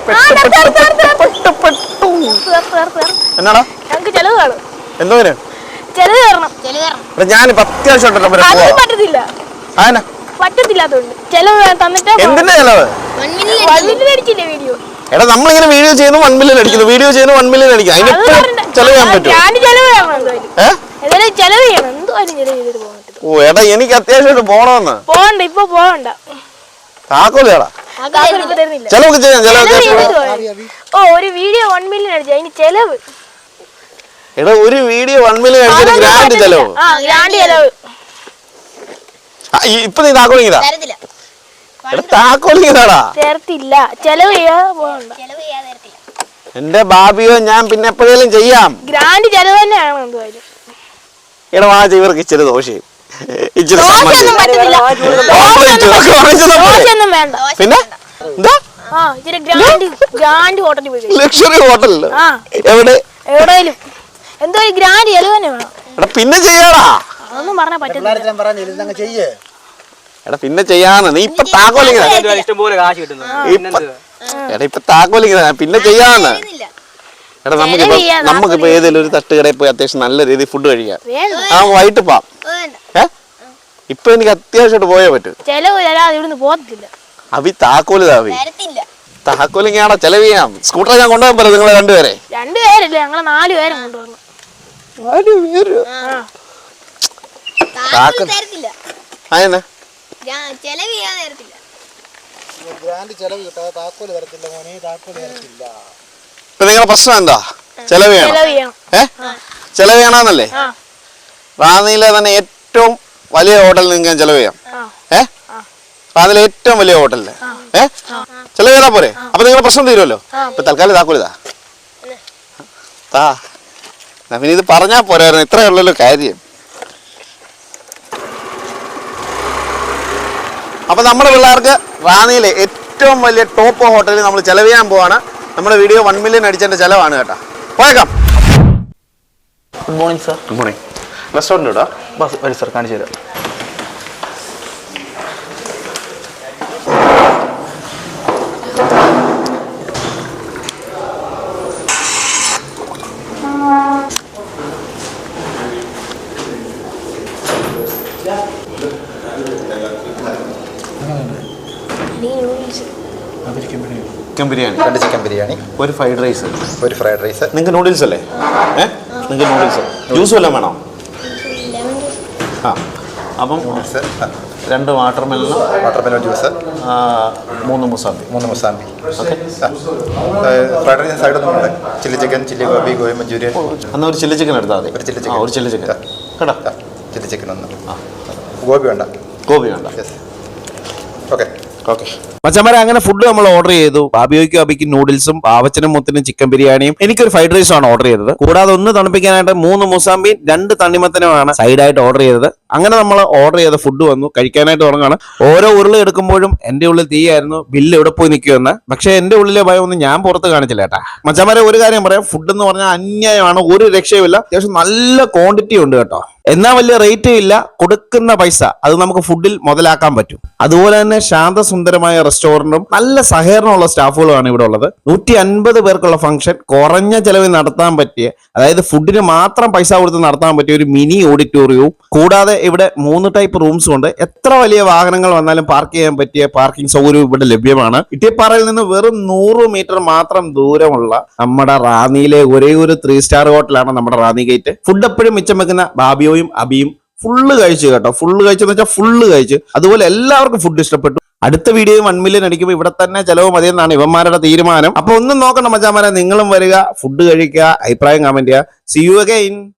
എന്നാടാ എന്തോ ഞാനിപ്പോ അത്യാവശ്യം എടാ നമ്മളിങ്ങനെ വീഡിയോ ചെയ്യുന്നു 1 മില്യൺ അടിക്കുന്നു, വീഡിയോ ചെയ്യുന്നു 1 മില്യൺ അടിക്കും. അതിന് ചെലവ് ചെയ്യാൻ പറ്റും. ഓ എടാ എനിക്ക് അത്യാവശ്യമായിട്ട് പോണമെന്ന്. താക്കോലേടാ ചെലവൊക്കെ ചെയ്യാം. ഒരു വീഡിയോ 1 മില്യൺ അടിച്ചു, അതിന് ചെലവ്. എടാ ഒരു വീഡിയോ 1 മില്യൺ അടിച്ചൊരു ഗ്രാൻഡ് ചെലവ്. ഇപ്പൊ നീ താക്കോലിങ്ങതാ താക്കോലിങ്ങതാടാ എന്റെ ബാബിയോ ഞാൻ പിന്നെ എപ്പോഴേലും ചെയ്യാം. ഗ്രാൻഡ് ചെലവ് തന്നെയാണ് എന്തായാലും. എടാ വാ ഇവർക്ക് ഇച്ചിരി ദോശയും ഇച്ചിരി പിന്നെ ലക്ഷറി ഹോട്ടലില് എവിടെയും എന്തോ ഗ്രാൻഡ് ചെലവ് തന്നെ വേണം. എടാ പിന്നെ ചെയ്യാടാ. അതൊന്നും പറഞ്ഞാ പറ്റില്ല. എടാ പിന്നെ ചെയ്യാന്ന്. നീ ഇപ്പൊ താക്കോലിങ്ങതാ എടാ ഇപ്പൊ താക്കോലിങ്ങതാ പിന്നെ ചെയ്യാന്ന്. എടാ നമുക്കിപ്പോ ഏതെങ്കിലും ഒരു തട്ടുകടയിൽ പോയി അത്യാവശ്യം നല്ല രീതിയിൽ ഫുഡ് കഴിക്കാം. വൈകിട്ട് പോവാം. ഇപ്പൊ എനിക്ക് അത്യാവശ്യമായിട്ട് പോയേ പറ്റൂ. അവി താക്കോലിതാവി താക്കോലിങ്ങാണോ ചെലവ് ചെയ്യാം. സ്കൂട്ടർ ഞാൻ കൊണ്ടുപോകാൻ പറ്റും. നിങ്ങളെ രണ്ടുപേരെ ഞങ്ങള് 4 പേരും കൊണ്ടുവന്നു. ഇപ്പൊ നിങ്ങളെ പ്രശ്നം എന്താ? ചെലവ് ചെയ്യണം. ചെലവ് ചെയ്യണമെന്നല്ലേ? റാന്നിയിലെ തന്നെ ഏറ്റവും വലിയ ഹോട്ടലിൽ നിങ്ങൾക്ക് ചെലവ് ചെയ്യാം. റാന്നിയിലെ ഏറ്റവും വലിയ ഹോട്ടലില് ചെലവ് ചെയ്താ പോരെ? അപ്പൊ നിങ്ങളെ പ്രശ്നം തീരുമല്ലോ. ഇപ്പൊ തൽക്കാലം താക്കോലിതാ പിന്നെ ഇത് പറഞ്ഞാ പോരായിരുന്നു. ഇത്രയേ ഉള്ളല്ലോ കാര്യം. അപ്പൊ നമ്മുടെ പിള്ളേർക്ക് റാന്നിയിലെ ഏറ്റവും വലിയ ടോപ്പ് ഹോട്ടലിൽ നമ്മൾ ചെലവ് ചെയ്യാൻ പോവാണ്. നമ്മുടെ വീഡിയോ 1 മില്യൺ അടിച്ചതിന്റെ ചെലവാണ് കേട്ടോ. പോയേക്കാം. Good morning sir. Good morning. Restaurant കേട്ടോ. ബസ് വരി സർ, കാണിച്ചു തരാം. ചിക്കൻ ബിരിയാണി, 2 ചിക്കൻ ബിരിയാണി, ഒരു ഫ്രൈഡ് റൈസ്, നിങ്ങൾക്ക് നൂഡിൽസ് അല്ലേ? നിങ്ങൾക്ക് നൂഡിൽസ് ജ്യൂസ് വല്ലതും വേണോ? Appam 2 watermelon juice, 3 mosambi. Okay. Fried rice സൈഡൊന്നും chilli chicken, chilli gobi, gobi Manchurian. എന്നാൽ ഒരു ചില്ലി ചിക്കൻ എടുത്താൽ മതി. ഒരു ചില്ലി ചിക്കൻ കേട്ടോ. ചില്ലി ചിക്കൻ ഒന്ന്. ഗോബി വേണ്ട. ഓക്കെ മച്ചന്മാരെ, അങ്ങനെ ഫുഡ് നമ്മൾ ഓർഡർ ചെയ്തു. ബാബിയോയ്ക്കും അബിക്കും നൂഡിൽസും, പാവച്ചനും മുത്തിനും ചിക്കൻ ബിരിയാണിയും, എനിക്കൊരു ഫ്രൈഡ് റൈസും ആണ് ഓർഡർ ചെയ്തത്. കൂടാതെ ഒന്ന് തണുപ്പിക്കാനായിട്ട് 3 മുസാമ്പിയും 2 തണ്ണിമത്തനുമാണ് സൈഡായിട്ട് ഓർഡർ ചെയ്തത്. അങ്ങനെ നമ്മൾ ഓർഡർ ചെയ്ത ഫുഡ് വന്നു. കഴിക്കാനായിട്ട് തുടങ്ങാണ്. ഓരോ ഉരുള എടുക്കുമ്പോഴും എന്റെ ഉള്ളിൽ തീയായിരുന്നു ബില്ല് എവിടെ പോയി നിൽക്കുമെന്ന്. പക്ഷെ എന്റെ ഉള്ളിലെ ഭയം ഒന്നും ഞാൻ പുറത്ത് കാണിച്ചില്ല കേട്ടാ. മച്ചന്മാരെ ഒരു കാര്യം പറയാം, ഫുഡ് എന്ന് പറഞ്ഞാൽ അന്യായമാണ്, ഒരു രക്ഷയുമില്ല. അത്യാവശ്യം നല്ല ക്വാണ്ടിറ്റി ഉണ്ട് കേട്ടോ. എന്നാൽ വലിയ റേറ്റ് ഇല്ല. കൊടുക്കുന്ന പൈസ അത് നമുക്ക് ഫുഡിൽ മുതലാക്കാൻ പറ്റും. അതുപോലെ തന്നെ ശാന്തസുന്ദരമായ റെസ്റ്റോറന്റും നല്ല സഹകരണമുള്ള സ്റ്റാഫുകളുമാണ് ഇവിടെ ഉള്ളത്. 150 പേർക്കുള്ള ഫംഗ്ഷൻ കുറഞ്ഞ ചെലവിൽ നടത്താൻ പറ്റിയ, അതായത് ഫുഡിന് മാത്രം പൈസ കൊടുത്ത് നടത്താൻ പറ്റിയ ഒരു മിനി ഓഡിറ്റോറിയവും, കൂടാതെ ഇവിടെ 3 ടൈപ്പ് റൂംസും ഉണ്ട്. എത്ര വലിയ വാഹനങ്ങൾ വന്നാലും പാർക്ക് ചെയ്യാൻ പറ്റിയ പാർക്കിംഗ് സൗകര്യവും ഇവിടെ ലഭ്യമാണ്. ഇട്ടിപ്പാറയിൽ നിന്ന് വെറും 100 മീറ്റർ മാത്രം ദൂരമുള്ള നമ്മുടെ റാന്നിയിലെ ഒരേ ഒരു 3 സ്റ്റാർ ഹോട്ടലാണ് നമ്മുടെ റാന്നി ഗേറ്റ്. ഫുഡ് എപ്പോഴും മിച്ചം വെക്കുന്ന ബാബിയോയും അബിയും ഫുള്ള് കഴിച്ചു കേട്ടോ. ഫുള്ള് കഴിച്ചെന്ന് വെച്ചാൽ ഫുള്ള് കഴിച്ചു. അതുപോലെ എല്ലാവർക്കും ഫുഡ് ഇഷ്ടപ്പെട്ടു. അടുത്ത വീഡിയോ 1 മില്യൺ അടിക്കുമ്പോൾ ഇവിടെ തന്നെ ചെലവ് മതിയെന്നാണ് ഇവന്മാരുടെ തീരുമാനം. അപ്പൊ ഒന്നും നോക്കണ്ട മച്ചാമാരെ, നിങ്ങളും വരിക, ഫുഡ് കഴിക്കുക, അഭിപ്രായം കമന്റ് ചെയ്യുക. See you again.